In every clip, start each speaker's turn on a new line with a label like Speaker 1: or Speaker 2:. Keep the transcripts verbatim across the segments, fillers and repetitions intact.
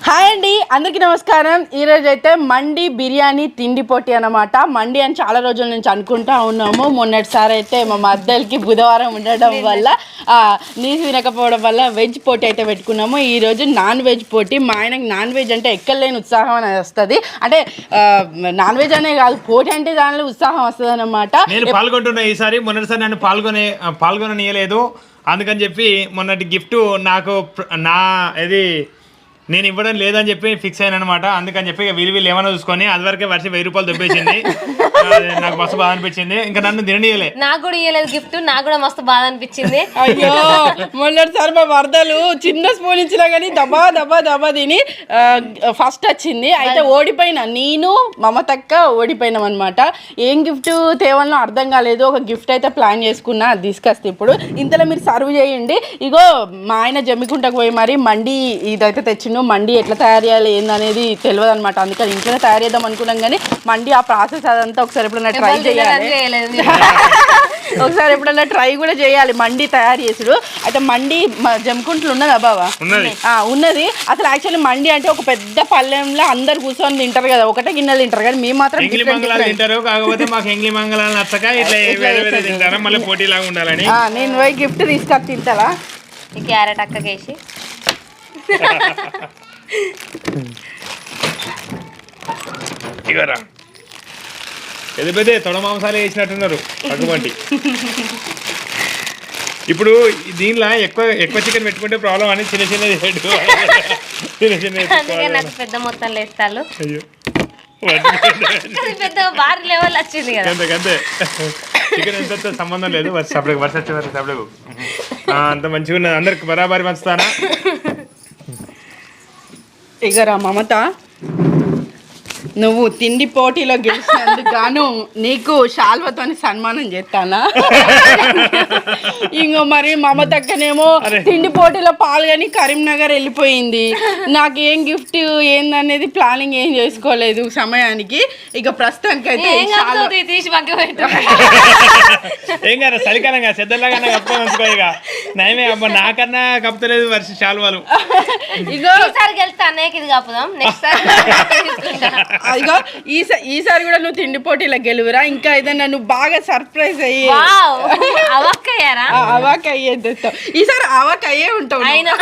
Speaker 1: Hi అండి, అందరికీ నమస్కారం. ఈరోజు అయితే మండి బిర్యానీ తిండి పోటీ అనమాట. మండి అని చాలా రోజుల నుంచి అనుకుంటా ఉన్నాము. మొన్నటిసారి అయితే మా మద్దలకి బుధవారం ఉండడం వల్ల నీసు వినకపోవడం వల్ల వెజ్ పోటీ అయితే పెట్టుకున్నాము. ఈరోజు నాన్ వెజ్ పోటీ. మా ఆయనకు నాన్ వెజ్ అంటే ఎక్కడలేని ఉత్సాహం అనేది వస్తుంది. అంటే నాన్ వెజ్ అనే కాదు, పోటీ అంటే దానిలో ఉత్సాహం వస్తుంది అనమాట.
Speaker 2: నేను పాల్గొంటున్నా ఈసారి. మొన్నటిసారి నన్ను పాల్గొనే పాల్గొననీయలేదు. అందుకని చెప్పి మొన్నటి గిఫ్ట్ నాకు నా ఇది నేను ఇవ్వడం లేదని చెప్పి ఫిక్స్ అయిన అనమాట. అందుకని చెప్పి వీళ్ళు వీళ్ళు ఏమైనా చూసుకొని అది వరకే వర్షం వెయ్యి రూపాయలు దొబ్బేసింది. నాకు మస్తు బాధ అనిపించింది. ఇంకా నన్ను తిననీయలే.
Speaker 3: నాకు కూడా ఇవ్వలేదు గిఫ్ట్. నాకు కూడా మస్తు బాధ అనిపించింది.
Speaker 1: అయ్యో, మొన్నటిసారి మా వరదలు చిన్న స్పూన్ ఇచ్చినా కానీ దబా దబా దబా తిని ఫస్ట్ వచ్చింది. అయితే ఓడిపోయినా, నేను మమతక్క ఓడిపోయినాం అనమాట. ఏం గిఫ్ట్ తేవాలో అర్థం కాలేదు. ఒక గిఫ్ట్ అయితే ప్లాన్ చేసుకున్నా, అది తీసుకొస్తే ఇప్పుడు ఇంతలో మీరు సర్వ్ చేయండి. ఇగో మా ఆయన జమ్మికుంటకు పోయి మరి మండి ఇదైతే తెచ్చిండు. మండి ఎట్లా తయారు చేయాలి ఏందనేది తెలియదు అనమాట. అందుకని ఇంట్లోనే తయారు చేద్దాం అనుకున్నాం కానీ మండి ఆ ప్రాసెస్ అదంతా ఒకసారి ఎప్పుడైనా ట్రై చేయాలి. ఒకసారి ఎప్పుడైనా ట్రై కూడా చేయాలి మండి తయారు చేసుడు. అయితే మండి జమ్మికుంటలు ఉన్నదా బావా? ఉన్నది. అసలు యాక్చువల్లీ మండి అంటే ఒక పెద్ద పల్లెంలో అందరు కూర్చొని తింటారు కదా, ఒకటే గిన్నెలు తింటారు. కానీ మేము మాత్రం నేను పోయి గిఫ్ట్ తీసుకొని తింటారా?
Speaker 3: ఈ క్యారెట్ అక్కకేసి
Speaker 2: ఇగరా పెద్ద పెద్ద తొడ మాంసాలు వేసినట్టున్నారు అటువంటి. ఇప్పుడు దీనిలో ఎక్కువ ఎక్కువ చికెన్ పెట్టుకుంటే ప్రాబ్లం అని చిన్న చిన్నది చిన్న చిన్న
Speaker 3: నాకు పెద్ద మొత్తంలో వేస్తాను. పెద్ద భారీ లెవెల్ వచ్చింది కదా.
Speaker 2: అంతే, చికెన్ ఎంత సంబంధం లేదు. సపరేట్ వర్ష వచ్చే వరకు సపరేట్ అంత మంచిగా ఉన్నది. అందరికి బరాబరి పంచుతానా?
Speaker 1: ఇగరా మమత, నువ్వు తిండి పోటీలో గెలిచినందుకు గాను నీకు శాల్వతో సన్మానం చేస్తానా? ఇంకో మరి మమతక్కనేమో తిండి పోటీలో పాల్గొని కరీంనగర్ వెళ్ళిపోయింది. నాకు ఏం గిఫ్ట్ ఏందనేది ప్లానింగ్ ఏం చేసుకోలేదు సమయానికి. ఇక ప్రస్తుతానికి అయితే
Speaker 3: తీసి పక్క పెట్టు.
Speaker 2: ఏం కదా చలికాలంగా సెద్దలాగా కప్పుకోనుకో. ఇక నయమే అబ్బా, నాకన్నా కప్పుతలేదు వర్ష శాల్వాలు.
Speaker 1: ఇగో
Speaker 3: గెలుస్తా అనేక ఇది కప్పుదాం. నెక్స్ట్ సారి
Speaker 1: అదిగో ఈసారి ఈసారి కూడా నువ్వు తిండి పోటీలో గెలువురా. ఇంకా ఏదన్నా నువ్వు బాగా సర్ప్రైజ్ అయ్యి అవాక్ అయ్యేది. ఈసారి అవాక్ అయ్యే ఉంటావు.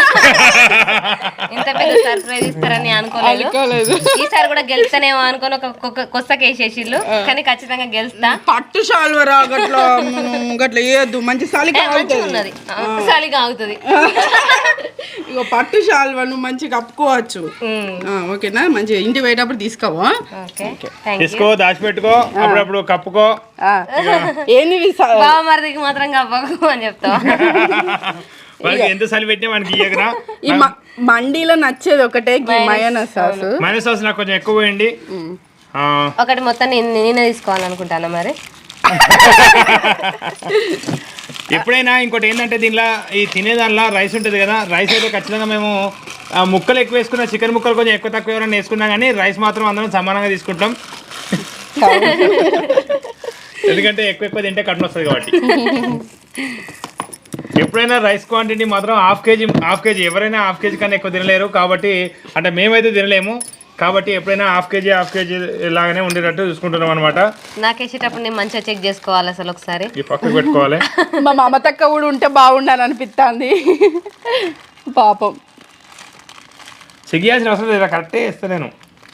Speaker 3: ఇంత పెద్ద సర్ప్రైజ్ ఇస్తారని అనుకోలేదు. ఈసారి కూడా గెలుస్తానేమో అనుకుని ఒక కొత్తకేసేసిళ్ళు, కానీ ఖచ్చితంగా గెలుస్తా.
Speaker 1: పట్టు షాల్వరా గట్లా గట్లా వేయద్దు, మంచి చలిగా
Speaker 3: ఉన్నది, చలిగా అవుతుంది.
Speaker 1: ఇగో పట్టు షాల్వా నువ్వు మంచిగా కప్పుకోవచ్చు. ఓకేనా? మంచిగా ఇంటి పోయేటప్పుడు తీసుకోవా,
Speaker 2: తీసుకో, దాచిపెట్టుకో, అప్పుడప్పుడు కప్పుకో.
Speaker 1: ఏంది
Speaker 3: మరిదికి మాత్రం కప్పకు అని చెప్తావా?
Speaker 2: ఎంత చలి పెట్టినా మనకి ఇయ్యకరా.
Speaker 1: ఈ మండీలో నచ్చేది ఒకటే మయోనైస్ సాస్.
Speaker 2: మయోనైస్ సాస్ నాకు కొంచెం ఎక్కువ పోయండి.
Speaker 3: ఒకటి మొత్తం నేనే తీసుకోవాలనుకుంటాను. మరి
Speaker 2: ఎప్పుడైనా ఇంకోటి ఏంటంటే దీనిలో ఈ తినేదానిలో రైస్ ఉంటుంది కదా, రైస్ అయితే ఖచ్చితంగా మేము ముక్కలు ఎక్కువ వేసుకున్నాం. చికెన్ ముక్కలు కొంచెం ఎక్కువ తక్కువ ఎవరైనా వేసుకున్నాం, కానీ రైస్ మాత్రం అందరం సమానంగా తీసుకుంటాం. ఎందుకంటే ఎక్కువ ఎక్కువ తింటే కట్న వస్తుంది కాబట్టి. ఎప్పుడైనా రైస్ క్వాంటిటీ మాత్రం హాఫ్ కేజీ హాఫ్ కేజీ ఎవరైనా హాఫ్ కేజీ కన్నా ఎక్కువ తినలేరు. కాబట్టి అంటే మేమైతే తినలేము. కాబట్టి ఎప్పుడైనా హాఫ్ కేజీ హాఫ్ కేజీ లాగానే ఉండేటట్టు చూసుకుంటున్నాం అనమాట.
Speaker 3: నాకు వేసేటప్పుడు నేను మంచిగా చెక్ చేసుకోవాలి. అసలు ఒకసారి
Speaker 2: ఈ పక్కకు పెట్టుకోవాలి.
Speaker 1: మా మమతక్క కూడా ఉంటే బాగుండాలని అనిపిస్తుంది పాపం.
Speaker 2: సిగ్గియాల్సిన అవసరం లేదు, కరెక్టే వేస్తా నేను.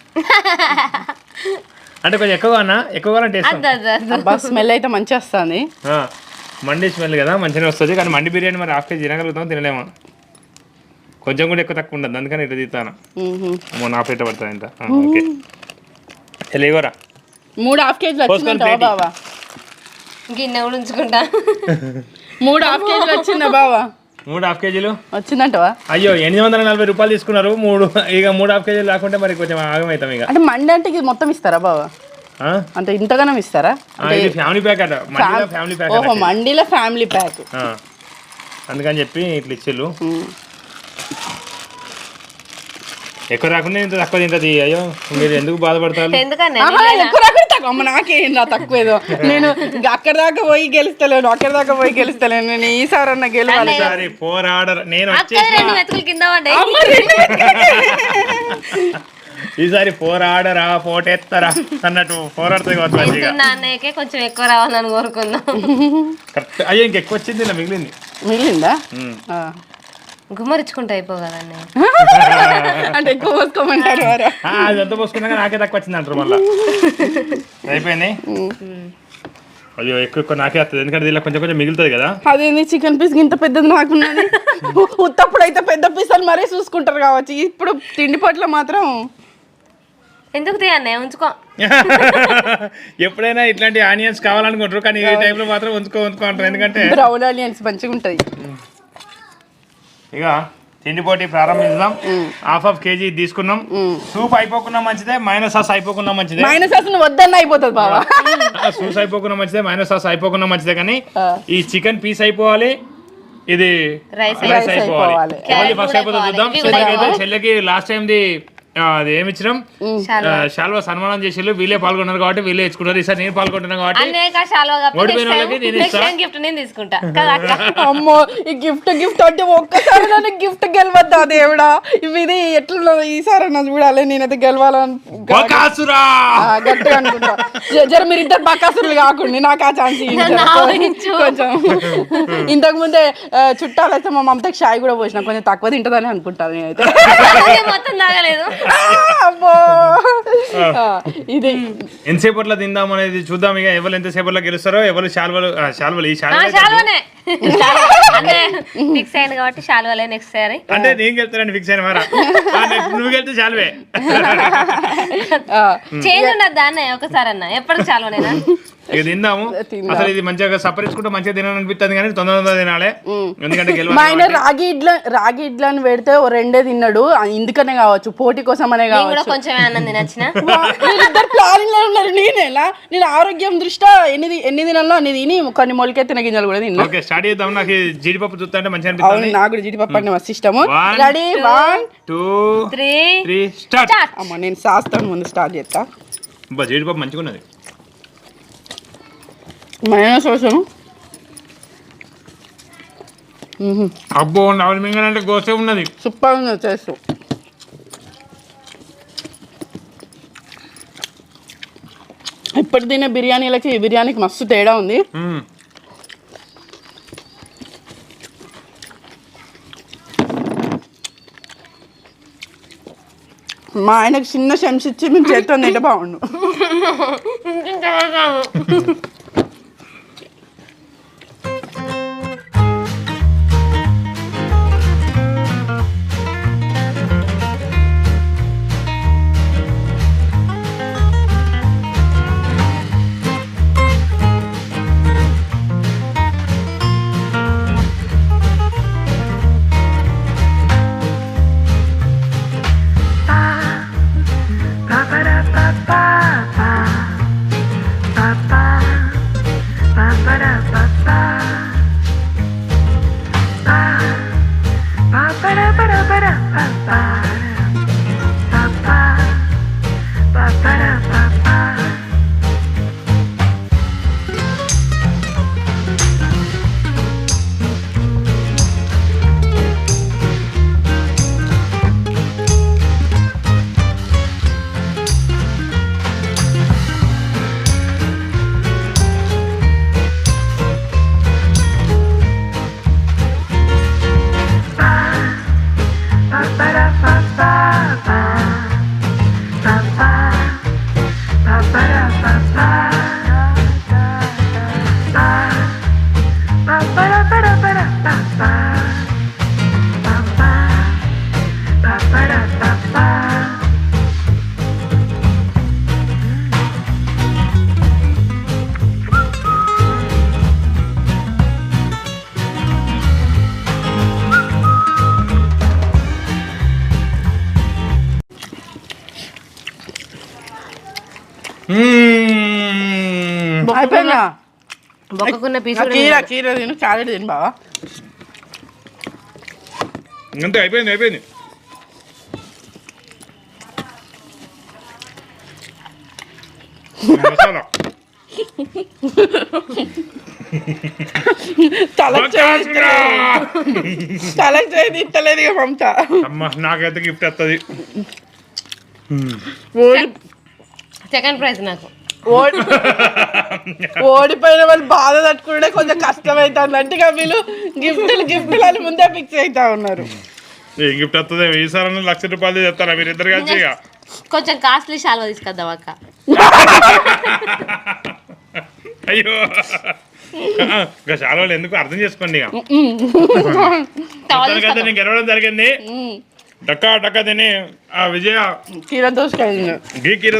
Speaker 2: అంటే కొంచెం ఎక్కువగా అన్నా ఎక్కువగా
Speaker 1: అంటే స్మెల్ అయితే మంచిగా వస్తుంది.
Speaker 2: మండి స్మెల్ కదా మంచిగా వస్తుంది. కానీ మండి బిర్యానీ మరి హాఫ్ కేజీ తినగలుగుతాం, తినలేమా? కొంచెం కూడా ఎక్కువ తక్కువ ఉండదు, అందుకని ఇట్లా తీస్తాను. నా ప్లేట్ పడుతుంది ఇంత. ఓకే, లేవరా
Speaker 1: మూడు హాఫ్ కేజీలు వచ్చిందా బావా?
Speaker 3: గిన్నె కూడా ఉంచుకుంటా.
Speaker 1: మూడు హాఫ్ కేజీలు వచ్చిందా బావా?
Speaker 2: మూడు హాఫ్ కేజీలు
Speaker 1: వచ్చిందంటవా?
Speaker 2: అయ్యో, ఎనిమిది వందల నలభై రూపాయలు తీసుకున్నారు. మూడు ఇక మూడు హాఫ్ కేజీలు లేకుంటే మరి కొంచెం ఆగమవుతాం. ఇక
Speaker 1: అంటే మండి అంటే ఇది మొత్తం ఇస్తారా బావా? అంటే ఇంతగానం ఇస్తారా?
Speaker 2: ఫ్యామిలీ ప్యాక్ అట, ఫ్యామిలీ ప్యాక్.
Speaker 1: ఓహో, మండీలో ఫ్యామిలీ ప్యాక్.
Speaker 2: అందుకని చెప్పి ఇట్లా ఇచ్చిళ్ళు. ఎక్కువ రాకుండా ఇంత తక్కువ తింటది. అయ్యో, మీరు ఎందుకు బాధపడతారు?
Speaker 1: ఎక్కువ రాకుండా తక్కువ నాకేం రా తక్కువ ఏదో. నేను అక్కడ దాకా పోయి గెలుస్తలేను, అక్కడ దాకా పోయి గెలుస్తలేను. నేను ఈసారి అన్న గెలవాలి.
Speaker 2: పోరాడరు. నేను ఈసారి పోరాడరా పోటెత్తరా అన్నట్టు పోరాడుతుంది కావచ్చు మంచిగా.
Speaker 3: తింటున్న అన్నయ్యకే కొంచెం ఎక్కువ రావాలని కోరుకుందాం.
Speaker 2: కరెక్ట్. అయ్యో ఇంకెక్కువ వచ్చింది ఇలా మిగిలింది.
Speaker 1: మిగిలిందా ఆ.
Speaker 3: గుమ్మరించుకుంటే అయిపో కదా అన్నయ్య.
Speaker 1: అంటే ఎక్కువ పోసుకోమంటారు వారు.
Speaker 2: ఆ, అది ఎంత పోసుకున్నాక నాకే తక్కువ వచ్చింది అంటారు మళ్ళీ. అయిపోయింది. అయ్యో ఎక్కువ ఎక్కువ నాకే వస్తుంది ఎందుకంటే దీనిలో కొంచెం కొంచెం మిగులుతుంది కదా.
Speaker 1: అదేంది చికెన్ పీస్ ఇంత పెద్దది నాకున్నది. ఉత్తప్పుడు అయితే పెద్ద పీస్ అని మరీ చూసుకుంటారు కావచ్చు, ఇప్పుడు తిండి పట్ల మాత్రం
Speaker 3: ఎందుకు తీ అన్నయ్య ఉంచుకో.
Speaker 2: ఎప్పుడైనా ఇట్లాంటి ఆనియన్స్ కావాలనుకుంటారు కానీ ఈ టైంలో మాత్రం ఉంచుకో ఉంచుకో అంటారు ఎందుకంటే
Speaker 1: బ్రౌన్ ఆనియన్స్ మంచిగా ఉంటుంది.
Speaker 2: ఇక తిండి పోటీ ప్రారంభించుదాం. హాఫ్ హాఫ్ కేజీ తీసుకున్నాం. సూప్ అయిపోకున్నా మంచిదే, మైనస్ సాస్ అయిపోకున్నా మంచిదే.
Speaker 1: మైనస్ అసలు వద్దన్న అయిపోతుంది బాబా.
Speaker 2: సూస్ అయిపోకున్నా మంచిదే, మైనస్ సాస్ అయిపోకున్నా మంచిదే, కానీ ఈ చికెన్ పీస్ అయిపోవాలి, ఇది
Speaker 3: రైస్
Speaker 2: రైస్ అయిపోవాలి.
Speaker 1: అయిపోవాలి.
Speaker 2: ఎవరిది ఫస్ట్ అయిపోతుంది చూద్దాం. చెల్లెకైతే చెల్లెకి లాస్ట్ టైం ది అది ఏమి ఇచ్చినాం శాల్వా సన్మానం చేసి వీళ్ళే పాల్గొన్నారు కాబట్టి వీళ్ళే ఇచ్చుకున్నారు. ఈసారి నేను పాల్గొంటున్నాను కాబట్టి
Speaker 3: అన్నయ్య శాల్వా కప్పి
Speaker 2: ఓడిపోయిన వాళ్ళకి నేను
Speaker 3: నెక్స్ట్
Speaker 2: ఇస్తా.
Speaker 3: టైం గిఫ్ట్ నేను తీసుకుంటా కదా అక్క.
Speaker 1: అమ్మో ఈ గిఫ్ట్ గిఫ్ట్ అంటే ఒక్కసారి నన్ను గిఫ్ట్ గెలవద్దా దేవుడా. ఇవి ఇది ఎట్లా ఈసారి నన్ను చూడాలి, నేనైతే గెలవాలని
Speaker 2: బకాసురా
Speaker 1: ఆ, గట్టిగా అనుకుంటా. జ- జర మీరు ఇద్దరు బకాసులు కాకుండా నాకు ఆ ఛాన్స్ కొంచెం. ఇంతకు ముందే ఆ, చుట్టాలు అయితే మా మమతకి షాయి కూడా పోసిన కొంచెం తక్కువ తింటదని అనుకుంటాను నేనైతే.
Speaker 3: మొత్తం తాగలేదు.
Speaker 1: ఆ, అమ్మో ఆ, ఇది
Speaker 2: ఎంతసేపట్లో తిందాం అనేది చూద్దాం. ఇక ఎవరు ఎంతసేపట్లో గెలుస్తారో, ఎవరు శాల్వలు ఆ, శాల్వలు ఈ
Speaker 3: ఆ,
Speaker 2: శాల్వలు
Speaker 3: శాల్వానే అన్నయ్య ఫిక్స్ అయింది కాబట్టి శాల్వాలే నెక్స్ట్ సారి.
Speaker 2: అంటే నేను గెలుతానని ఫిక్స్ అయిన మారా. ఆ, next నువ్వు గెలితే శాల్వే.
Speaker 1: ఆ,
Speaker 3: చేంజ్ ఉండద్దా అన్నయ్య ఒకసారి అన్న ఎప్పటికి శాల్వానేనా.
Speaker 2: ఇక తిందాము.
Speaker 1: తిందాం.
Speaker 2: అసలు ఇది మంచిగా సపరించుకుంటే మంచిగా తినాలనిపిస్తుంది కానీ తొందర తొందర తినాలి ఎందుకంటే
Speaker 1: మా ఆయన
Speaker 2: గెలవాలి.
Speaker 1: రాగి ఇడ్ల రాగి ఇడ్లని పెడితే ఓ రెండే తిన్నాడు, ఆ, ఇందుకనే కావచ్చు పోటీ కోసం అనే
Speaker 3: నేను కూడా
Speaker 1: కావచ్చు.
Speaker 3: కొంచెం అన్నం తినచ్చిన.
Speaker 1: ఇద్దరు ప్లానింగ్ లో ఉన్నారు. నేనేలా నేను ఆరోగ్యం దృష్ట్యా ఎన్ని ఎన్ని దినాల్లో అన్ని తిని కొన్ని మొలకెత్తిన గింజలు కూడా తిన్నా.
Speaker 2: ఓకే స్టార్ట్ చేద్దాం. నాకు ఈ జీడిపప్పు చూస్తుంటే మంచిగా
Speaker 1: అవును
Speaker 2: అనిపిస్తుంది.
Speaker 1: నాకు కూడా జీడిపప్పు అంటే మస్తు ఇష్టము.
Speaker 2: One,
Speaker 1: ready one
Speaker 2: two
Speaker 3: three
Speaker 2: three start.
Speaker 1: అమ్మ నేను శాస్త్రం ముందు స్టార్ట్ చేస్తా.
Speaker 2: అబ్బా జీడిపప్పు మంచిగా ఉన్నది.
Speaker 1: మైనస్ కోసం
Speaker 2: అబ్బో నవలి మింగనంటే గోసే ఉన్నది.
Speaker 1: సూపర్ ఉంది టేస్ట్. ఇప్పుడు తినే బిర్యానీలకి ఈ బిర్యానీకి మస్తు తేడా ఉంది.
Speaker 2: మ్మ్.
Speaker 1: మా ఆయనకు చిన్న చెంచా ఇచ్చి మేము చేత్తో తింటే బాగుండు.
Speaker 2: మ్మ్.
Speaker 1: అయిపోయిందా?
Speaker 3: బొక్కకున్న పీసు
Speaker 1: ఆ కీర కీర తిను, క్యారెట్ తిను బావా.
Speaker 2: అంతే అయిపోయింది అయిపోయింది. మసాలా
Speaker 1: తలకు చేయి తలకు చేయి తిట్టలేదు ఇక మమత.
Speaker 2: అమ్మ నాకైతే గిఫ్ట్ వస్తుంది.
Speaker 1: ఓడి
Speaker 3: సెకండ్ ప్రైజ్ నాకు.
Speaker 1: ఓడి ఓడిపోయిన వాళ్ళు బాధ తట్టుకుంటే కొంచెం కష్టమవుతుంది అంటే ఇక వీళ్ళు గిఫ్ట్లు గిఫ్ట్లు అని ముందే ఫిక్స్ అవుతా ఉన్నారు.
Speaker 2: ఏ గిఫ్ట్ వస్తుంది ఈసారి లక్ష రూపాయలు చెప్తారా మీరు ఇద్దరు కలిసి ఇక?
Speaker 3: కొంచెం కాస్ట్లీ శాల్వా తీసుకొద్దాం అక్క.
Speaker 2: అయ్యో ఇక చాలా వాళ్ళు ఎందుకు అర్థం చేసుకోండి ఇక. మొత్తానికైతే నేను గెలవడం జరిగింది. డక్కా డక్కా తిని ఆ విజయ
Speaker 1: కీర దోసకాయ
Speaker 2: గీ కీర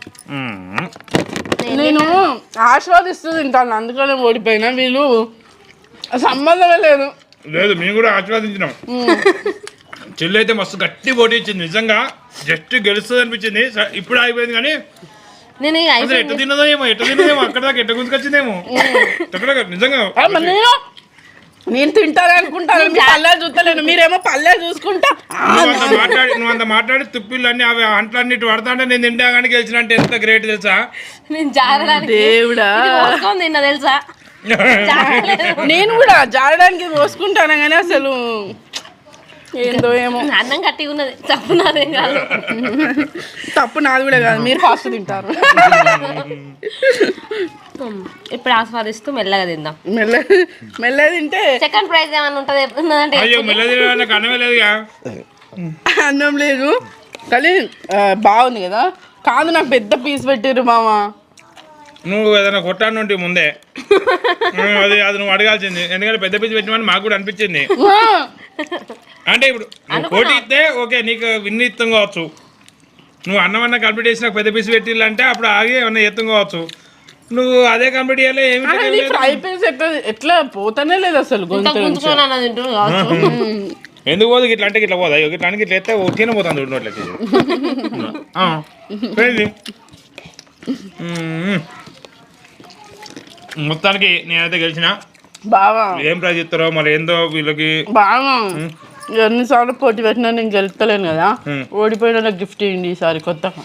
Speaker 1: నేను ఆస్వాదిస్తూ తింటాను అందుకనే ఓడిపోయినా. వీళ్ళు సంబంధమే లేదు.
Speaker 2: లేదు మేము కూడా ఆశీర్వాదించినాం. చెల్లి అయితే మస్తు గట్టి పోటీ ఇచ్చింది నిజంగా. జస్ట్ గెలుస్తుంది అనిపించింది. స- ఇప్పుడు ఆగిపోయింది కానీ
Speaker 3: నేను ఇక
Speaker 2: అసలు ఎట్ట తిన్నదో ఏమో ఎట్ట తిన్నదేమో అక్కడ దాకా ఎట్ట గుంజుకొచ్చిందేమో ఎక్కడ నిజంగా.
Speaker 1: ఆ, మరి నేను నేను తింటాను అనుకుంటాను. మీ పల్లె చూస్తలేను, మీరేమో పల్లె చూసుకుంటా. ఆ,
Speaker 2: నువ్వు అంత మాట్లాడి నువ్వు అంత మాట్లాడి తుప్పిళ్ళు అన్ని అవి అంట్లన్నిటి పడతా అంటే నేను తింటా కానీ గెలిచిన అంటే ఎంత గ్రేట్ తెలుసా.
Speaker 3: నేను జారడానికి
Speaker 1: దేవుడా
Speaker 3: ఇది పోసుకొని తిన్నా తెలుసా.
Speaker 1: నేను కూడా జారడానికి పోసుకుంటాను కానీ అసలు ఏందో ఏమో.
Speaker 3: అన్నం గట్టిగా ఉన్నది, తప్పు నాదేం కాదు.
Speaker 1: తప్పు నాది కూడా కాదు, మీరు ఫాస్ట్ తింటారు.
Speaker 3: ఇప్పుడు ఆస్వాదిస్తూ మెల్లగా తిందాం.
Speaker 1: మెల్ల మెల్ల తింటే
Speaker 3: సెకండ్ ప్రైజ్ ఏమన్నా ఉంటుంది ఉన్నదంటే
Speaker 2: అయ్యో మెల్లది నాకు అన్నమే లేదుగా.
Speaker 1: అన్నం లేదు కానీ ఆ, బాగుంది కదా. కాదు నాకు పెద్ద పీస్ పెట్టారు మామ.
Speaker 2: నువ్వు ఏదైనా కొట్టాను ఉంటే ముందే ఉమ్, అది అది నువ్వు అడగాల్సింది. ఎందుకంటే పెద్ద పిచ్చి పెట్టినమని మాకు కూడా అనిపించింది. అంటే ఇప్పుడు నువ్వు పోటీ ఇస్తే ఓకే నీకు విన్ని ఇత్తం కావచ్చు. నువ్వు అన్నం అన్న కంప్లీట్ చేసి నాకు పెద్ద పీస్ పెట్టిల్లంటే అప్పుడు ఆగి ఏమన్నా ఎత్తం కావచ్చు. నువ్వు అదే కంప్లీట్ చేయాలి ఏమి
Speaker 1: అది ఫ్రై పీస్ ఎట్లా ఎట్లా పోతానే లేదు అసలు గొంతు నుంచి.
Speaker 3: గుంజుకొని అన్నది తింటుంది కావచ్చు.
Speaker 2: ఎందుకు పోదు ఇట్లా అంటే ఇట్లా పోదా ఇట్లా అంటే ఇట్లా ఎత్తే తిన పోతుంది నోట్లకి. మొత్తానికి నేనైతే గెలిచిన.
Speaker 1: బావా
Speaker 2: ఏం ప్రైజ్ ఇస్తారో మరి ఏందో వీళ్ళకి.
Speaker 1: బాగా ఎన్నిసార్లు పోటీ పెట్టినా నేను గెలుస్తలేను కదా.
Speaker 2: Hmm.
Speaker 1: ఓడిపోయిన నాకు గిఫ్ట్ ఇవ్వండి ఈసారి కొత్తగా.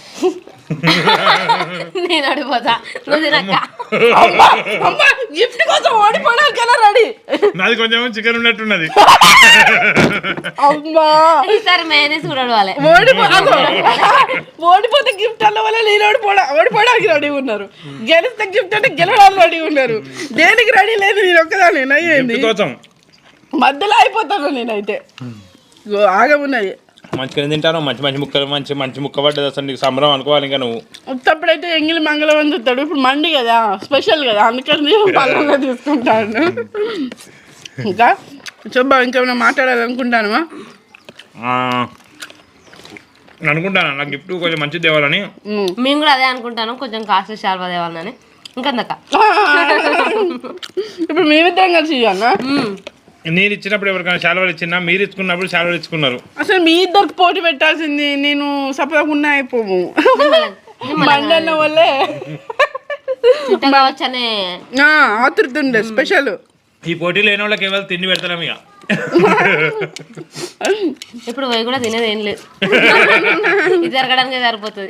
Speaker 3: నేను అడిపోతా నువ్వు తినక్క.
Speaker 1: గిఫ్ట్ కోసం ఓడిపోవడానికైనా రెడీ.
Speaker 2: నాది కొంచెం చికెన్ ఉన్నట్టున్నది.
Speaker 1: అమ్మా
Speaker 3: ఈసారి మేనేజ్ కూడా అడవాలి.
Speaker 1: ఓడిపో అగో. ఓడిపోతే గిఫ్ట్ అన్న వల్ల నేను ఓడిపోవడా ఓడిపోవడానికి రెడీ ఉన్నారు. గెలిస్తే గిఫ్ట్ అంటే గెలవడానికి రెడీ ఉన్నారు. దేనికి రెడీ లేదు నేను ఒక్కదాన్ని అయ్యింది.
Speaker 2: గిఫ్ట్ కోసం
Speaker 1: మధ్యలో అయిపోతాను నేనైతే. ఇగో ఆగమున్నది.
Speaker 2: మంచిగా తింటాను. మంచి మంచి ముక్కలు మంచి మంచి ముక్క పడ్డది. అసలు నీకు సంబరం అనుకోవాలి ఇంకా నువ్వు.
Speaker 1: ఉత్తప్పుడైతే ఎంగిలి మంగళం అని చూస్తాడు. ఇప్పుడు మండి కదా స్పెషల్ కదా అందుకని పళ్ళంగా తీసుకుంటాను. ఇంకా చూబ్బా ఇంకేమైనా మాట్లాడాలనుకుంటాను.
Speaker 2: ఆ, అనుకుంటాను నాకు గిఫ్ట్ కొంచెం మంచిది తేవాలని.
Speaker 3: మేము కూడా అదే అనుకుంటాను, కొంచెం కాస్ట్లీ శాల్వా తేవాలని. ఇంకందక
Speaker 1: ఇప్పుడు మేమిద్దరం కలిసి ఇవ్వన్నా.
Speaker 2: నేను ఇచ్చినప్పుడు ఎవరికైనా శాలవాలు ఇచ్చినా మీరు ఇచ్చుకున్నప్పుడు శాలవాలు ఇచ్చుకున్నారు.
Speaker 1: అసలు మీ ఇద్దరికి పోటీ పెట్టాల్సింది. నేను సపరేట్ ఉన్నా అయిపోము మండన్న వల్లే
Speaker 3: కావచ్చనే
Speaker 1: ఆతృత ఉండే స్పెషల్.
Speaker 2: ఈ పోటీ లేని వాళ్ళకి ఎవరు తిండి పెడతాం ఇక.
Speaker 3: ఇప్పుడు పోయి కూడా తినేది ఏం లేదు, ఇది జరగడానికి సరిపోతుంది.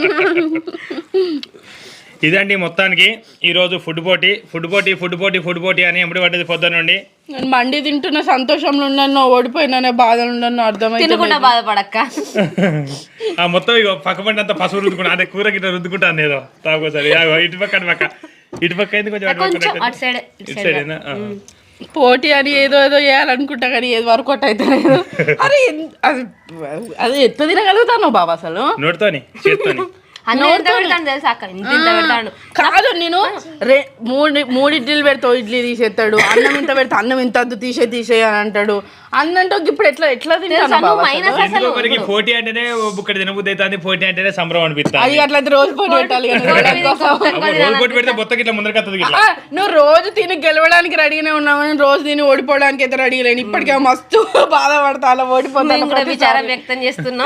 Speaker 2: ఇదండి మొత్తానికి ఈరోజు ఫుడ్ పోటీ ఫుడ్ పోటీ ఫుడ్ పోటీ ఫుడ్ పోటీ అని ఎప్పుడు పడ్డది పొద్దున్న నుండి.
Speaker 1: నేను మండి తింటున్న సంతోషంలో ఉన్నాను, ఓడిపోయినా బాధలు ఉన్నాను అర్థమైతే.
Speaker 3: తినకుండా బాధపడక్క.
Speaker 2: ఆ మొత్తం ఇక పక్క పంట అంతా పసుపు రుద్దుకుంటా అంటే కూర గిట్ట రుద్దుకుంటాను ఏదో తాకోసారి ఇటు పక్క అటు పక్క ఇటు పక్క అయింది కొంచెం అటు
Speaker 3: కొంచెం
Speaker 2: పక్క
Speaker 3: అటు సైడ్
Speaker 2: ఇటు సైడేనా.
Speaker 1: పోటీ అని ఏదో ఏదో చేయాలనుకుంటా కానీ ఏది వర్కౌట్ అయితే లేదు. అరే అది అది ఎత్తు తినగలుగుతాను బాబా అసలు
Speaker 2: నోటితోని చేత్తోని.
Speaker 3: అన్న ఎంత పెడతాను తెలుసా అక్క, ఇంత ఇంత పెడతాడు.
Speaker 1: కాదు నేను రే మూడు మూడు ఇడ్లీలు పెడతావు ఇడ్లీ తీసేస్తాడు, అన్నం ఇంత పెడతా అన్నం ఇంత అద్దు తీసే తీసేయ అని అంటాడు. అన్నంటే ఇప్పుడు ఎట్లా ఎట్లా తింటాను బాబా అసలు?
Speaker 2: ఎందుకో మనకి పోటీ అంటేనే బుక్కడి తినబుద్ధి అవుతుంది, పోటీ అంటేనే సంబరం అనిపిస్తుంది.
Speaker 1: అది అట్లయితే రోజు పోటీ పెట్టాలి కదా.
Speaker 2: రోజు పోటీ పెడితే బొత్తకి ఇట్లా ముందరికి వస్తుంది ఇట్లా.
Speaker 1: ఆ, నువ్వు రోజు తిని గెలవడానికి రెడీగానే ఉన్నావు, నేను రోజు తిని ఓడిపోవడానికి అయితే రెడీ లేను. ఇప్పటికే మస్తు బాధపడతా అలా ఓడిపోతాను.
Speaker 3: కూడా విచారం వ్యక్తం చేస్తున్నా.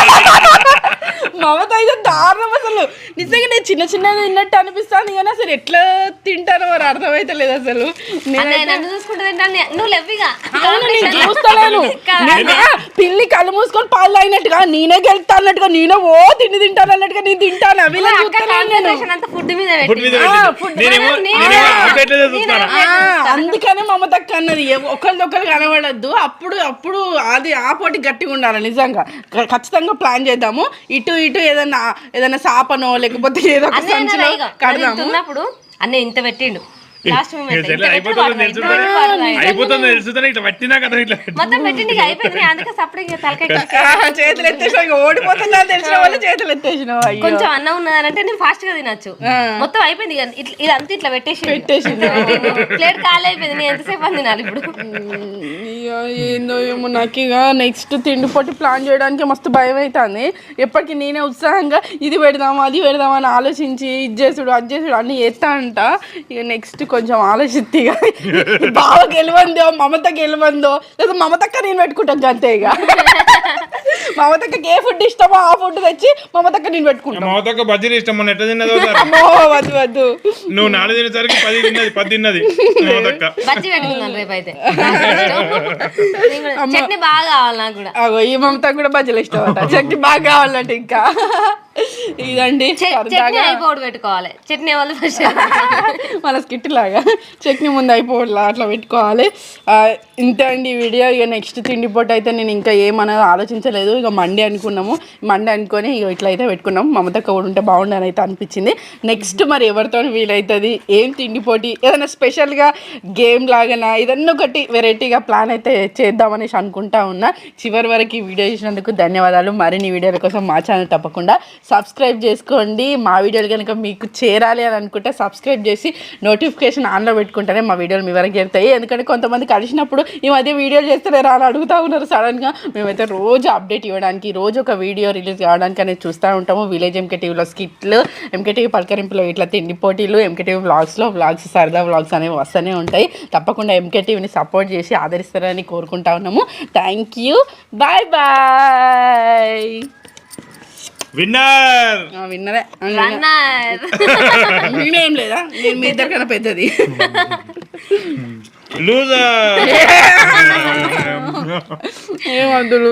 Speaker 1: మమత అయితే దారుణం అసలు. నిజంగా నేను చిన్న చిన్నది తిన్నట్టు అనిపిస్తాను కానీ అసలు ఎట్లా తింటానో మరి అర్థమైతే లేదు అసలు.
Speaker 3: అన్నయ్య నన్ను చూసుకుంటూ తింటాను, నువ్వు లెవ్విగా.
Speaker 1: అవును, నేను చూస్తలేను. నేనే పిల్లి కళ్ళు మూసుకొని పాలు తాగినట్టుగా నేనే గెలుతా అన్నట్టుగా నేనే ఓ తిండి తింటాను అన్నట్టుగా నేను తింటాను. అవి
Speaker 3: ఫుడ్ మీద
Speaker 2: ఫుడ్ మీద
Speaker 1: ఆ,
Speaker 2: పెట్టి.
Speaker 1: ఫుడ్
Speaker 2: నేనేమో నేనేమో ఆ ప్లేట్లోనే చూస్తాను.
Speaker 1: అందుకనే మమతక్క అన్నది ఒకరిదొకరు కనబడద్దు. అప్పుడు అప్పుడు అది ఆ పోటీ గట్టిగా ఉండాలి. నిజంగా ఖచ్చితంగా ప్లాన్ చేద్దాము. ఇటు ఇటు ఏదన్నా ఏదన్నా సాపనో లేకపోతే ఏదో ఒక సంచిలో కడదాము.
Speaker 3: ఉన్నప్పుడు అన్నీ ఇంత పెట్టిండు లాస్ట్
Speaker 2: అయిపోతుంది తెలుస్తుంది ఇట్లా పట్టినా కదా ఇట్లా
Speaker 3: మొత్తం పెట్టిండి అయిపోయింది. అందుకే సపరేట్ తలకాయ
Speaker 1: చేతులు ఎత్తేసిన ఓడిపోతున్నా తెలిసిన వాళ్ళు చేతులు ఎత్తేసిన
Speaker 3: కొంచెం అన్నం ఉన్నదంటే నేను ఫాస్ట్ గా తినొచ్చు. మొత్తం అయిపోయింది ఇదంతా ఇట్లా పెట్టేసి
Speaker 1: పెట్టేసింది
Speaker 3: ప్లేట్ ఖాళీ అయిపోయింది. నేను ఎంతసేపు అని తినాలి ఇప్పుడు?
Speaker 1: ఏందో ఏమో నాకు ఇక నెక్స్ట్ తిండి పొట్టి ప్లాన్ చేయడానికి మస్తు భయం అవుతుంది. ఎప్పటికీ నేనే ఉత్సాహంగా ఇది పెడదామా అది పెడదామా అని ఆలోచించి ఇది చేసుడు అది చేసుడు అన్ని చేస్తా అంట. ఇక నెక్స్ట్ కొంచెం ఆలోచిస్తే ఇక బావ గెలవందో మమత గెలవందో లేదా మమతక్క నేను పెట్టుకుంటాను అంతే. ఇక మమతక్కకి ఏ ఫుడ్ ఇష్టమో ఆ ఫుడ్ తెచ్చి మమతక్క నేను పెట్టుకుంటాను.
Speaker 2: మమతక్క బజ్జీలు ఇష్టం మొన్న ఎట్లా తిన్నదో
Speaker 1: వద్దు వద్దు
Speaker 2: నువ్వు నాలుగు తినేసరికి పది తిన్నది పది తిన్నది మమతక్క
Speaker 3: బజ్జీ పెట్టుకున్నాను రేపు అయితే. చట్నీ బాగా కావాలి నాకు కూడా.
Speaker 1: అగో ఈ మమత కూడా బజ్జీలు ఇష్టం అంట. చట్నీ బాగా కావాలంటే ఇంకా ఇదండి
Speaker 3: చట్నీ అయిపోవడం పెట్టుకోవాలి. చట్నీ వాళ్ళు
Speaker 1: మన స్కిట్ లాగా చట్నీ ముందు అయిపోవట్లా అట్లా పెట్టుకోవాలి. ఇంతే అండి ఈ వీడియో. ఇక నెక్స్ట్ తిండి పొట్టు అయితే నేను ఇంకా ఏమన్నది ఆలోచించలేదు. ఇక మండే అనుకున్నాము. మండే అనుకొని ఇక ఇట్లా అయితే పెట్టుకున్నాము. మమతక్క కూడా ఉంటే బాగుండని అయితే అనిపించింది. నెక్స్ట్ మరి ఎవరితో వీలవుతుంది ఏం తిండి పోటీ ఏదైనా స్పెషల్గా గేమ్ లాగానా ఏదన్నా ఒకటి వెరైటీగా ప్లాన్ అయితే చేద్దామనేసి అనుకుంటా ఉన్నా. చివరి వరకు ఈ వీడియో చూసినందుకు ధన్యవాదాలు. మరిన్ని వీడియోల కోసం మా ఛానల్ తప్పకుండా సబ్స్క్రైబ్ చేసుకోండి. మా వీడియోలు కనుక మీకు చేరాలి అని అనుకుంటే సబ్స్క్రైబ్ చేసి నోటిఫికేషన్ ఆన్లో పెట్టుకుంటేనే మా వీడియోలు మీ వరకు చేరుతాయి. ఎందుకంటే కొంతమంది కలిసినప్పుడు ఈ మధ్య వీడియోలు చేస్తే రా అని అడుగుతూ ఉన్నారు సడన్గా. మేమైతే రోజు అప్డేట్ ఇవ్వడానికి రోజు ఒక వీడియో రిలీజ్ కావడానికి అనేది చూస్తూ ఉంటాము. విలేజ్ ఎంకే టీవీలో స్కిట్లు, ఎంకే టీవీ పలకరింపులో ఇట్లా తిండి పోటీలు, ఎంకే టీవీ వ్లాగ్స్లో వ్లాగ్స్ సరదా వ్లాగ్స్ అనేవి వస్తూనే ఉంటాయి. తప్పకుండా ఎంకే టీవీని సపోర్ట్ చేసి ఆదరిస్తారని కోరుకుంటా ఉన్నాము. Thank you. Bye bye.
Speaker 2: Winner
Speaker 1: విన్నరే
Speaker 3: రన్నర్
Speaker 1: నేనేం లేదా నేను మీ ఇద్దరు కన్నా పెద్దది.
Speaker 2: లూజర్
Speaker 1: ఏమద్దు